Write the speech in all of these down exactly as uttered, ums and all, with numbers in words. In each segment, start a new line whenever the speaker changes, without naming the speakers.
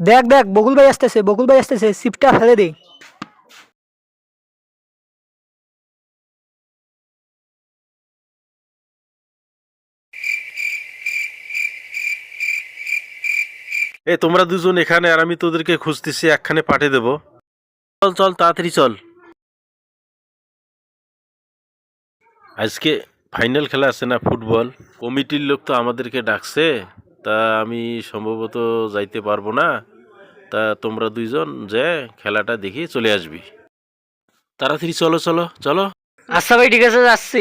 দেখ দেখ বকুল ভাই আসতেছে, বকুল ভাই আসতেছে, সিপটা ফেলে দে।
এ তোমরা দুজন এখানে, আর আমি তোদেরকে খুঁজতেছি, একখানে পাঠিয়ে দেবো। চল চল তাড়াতাড়ি চল। আজকে ফাইনাল খেলা আছে না, ফুটবল। কমিটির লোক তো আমাদেরকে ডাকছে, তা আমি সম্ভবত যাইতে পারবো না। তা তোমরা দুইজন যে খেলাটা দেখি চলে আসবি। তাড়াতাড়ি চলো চলো চলো।
আচ্ছা ভাই, ঠিক আছে, যাচ্ছি।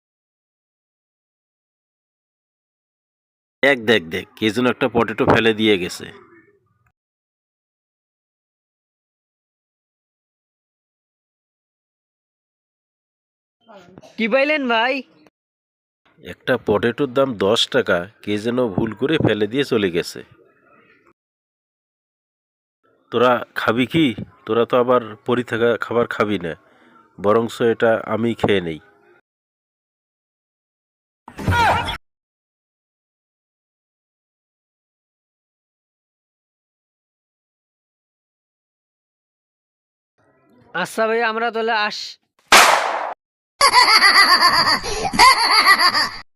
দেখ দেখ দেখ, কে যেন একটা পটেটো ফেলে দিয়ে গেছে।
কি পাইলেন ভাই?
একটা পটেটোর দাম দশ টাকা, কে যেন ভুল করে ফেলে দিয়ে চলে গেছে। তোরা খাবি কি? তোরা তো আবার পরি থাকা খাবার খাবি না, বরংস এটা আমি খেয়ে নেই।
আচ্ছা ভাই, আমরা তাহলে আস